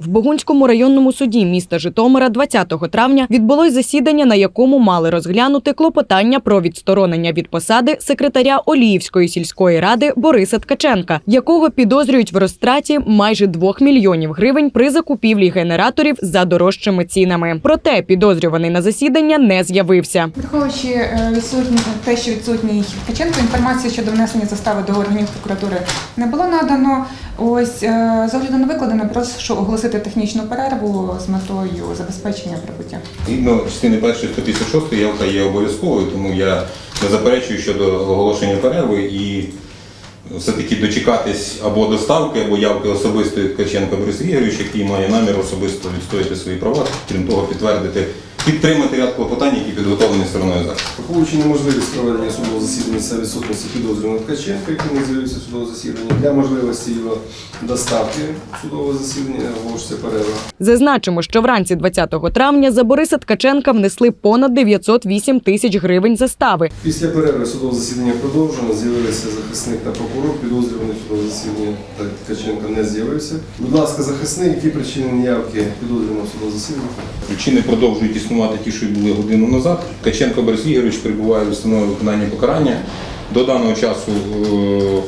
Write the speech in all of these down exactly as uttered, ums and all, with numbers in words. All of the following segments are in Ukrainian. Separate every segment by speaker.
Speaker 1: В Богунському районному суді міста Житомира двадцятого травня відбулось засідання, на якому мали розглянути клопотання про відсторонення від посади секретаря Оліївської сільської ради Бориса Ткаченка, якого підозрюють в розтраті майже двох мільйонів гривень при закупівлі генераторів за дорожчими цінами. Проте підозрюваний на засідання не з'явився.
Speaker 2: Враховуючи відсутні те, що відсутній Ткаченко, інформації щодо внесення застави до органів прокуратури не було надано. Ось з огляду на викладене, прошу оголосити технічну перерву з метою забезпечення прибуття.
Speaker 3: Згідно частини першої сто п'ятдесят шостої явка є обов'язковою, тому я не заперечую щодо оголошення перерви і все-таки дочекатись або доставки, або явки особистої Ткаченка Бориса Ігоровича, який має намір особисто відстояти свої права, крім того, підтвердити, підтримати ряд клопотань, які підготовлені стороною захисту.
Speaker 4: Враховуючи неможливість проведення судового засідання за відсутності підозрюваного Ткаченка, який не з'явився в судове засідання, для можливості його доставки судового засідання оголошується перерва.
Speaker 1: Зазначимо, що вранці двадцятого травня за Бориса Ткаченка внесли понад дев'ятсот вісім тисяч гривень застави.
Speaker 4: Після перерви судове засідання продовжено, з'явилися захисник та прокурор, підозрюваний в судове засідання та Ткаченка не з'явився. Будь ласка, захисник, які причини неявки підозрюваного в судове засідання?
Speaker 3: Причини продовжують існувати ті, що й були годину назад. Ткаченко Борис Ігорович перебуває в установі виконання покарання. До даного часу е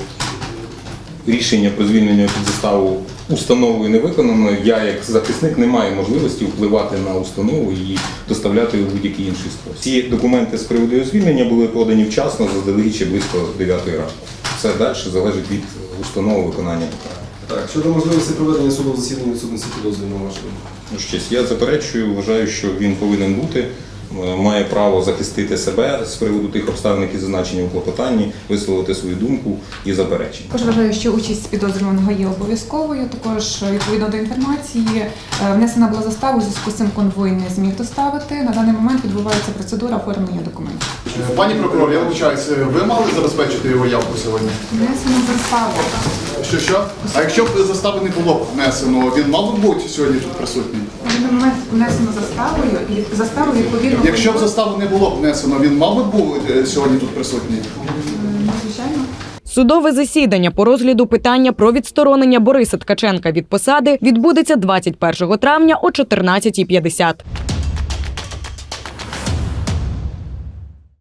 Speaker 3: рішення про звільнення під заставу установою не виконано. Я, як захисник, не маю можливості впливати на установу і доставляти у будь-який інший спосіб. Ці документи з приводу його звільнення були подані вчасно, заздалегідь ще близько дев'ятої ранку. Все далі залежить від установи виконання покарання.
Speaker 4: Так, щодо можливості проведення судового засідання відсутності підозрюваного вашого.
Speaker 3: Ну, щось, я заперечую, вважаю, що він повинен бути, має право захистити себе з приводу тих обставин, які зазначені у клопотанні, висловити свою думку і заперечення.
Speaker 2: Також вважаю, що участь підозрюваного є обов'язковою. Також, відповідно до інформації, внесена була застава, у зв'язку з цим конвой не зміг доставити. На даний момент відбувається процедура оформлення документів.
Speaker 5: Пані прокурор, я вибачаюся, ви мали забезпечити його явку сьогодні?
Speaker 2: Внесено заставу.
Speaker 5: Що, що? А якщо б застави не було внесено, він мав би бути сьогодні тут присутній?
Speaker 2: На даний момент внесено заставою і заставу відповідно.
Speaker 5: Якщо б заставу не було б внесено, він мав би бути сьогодні тут присутній?
Speaker 2: Звичайно.
Speaker 1: Судове засідання по розгляду питання про відсторонення Бориса Ткаченка від посади відбудеться двадцять першого травня о чотирнадцятій п'ятдесят.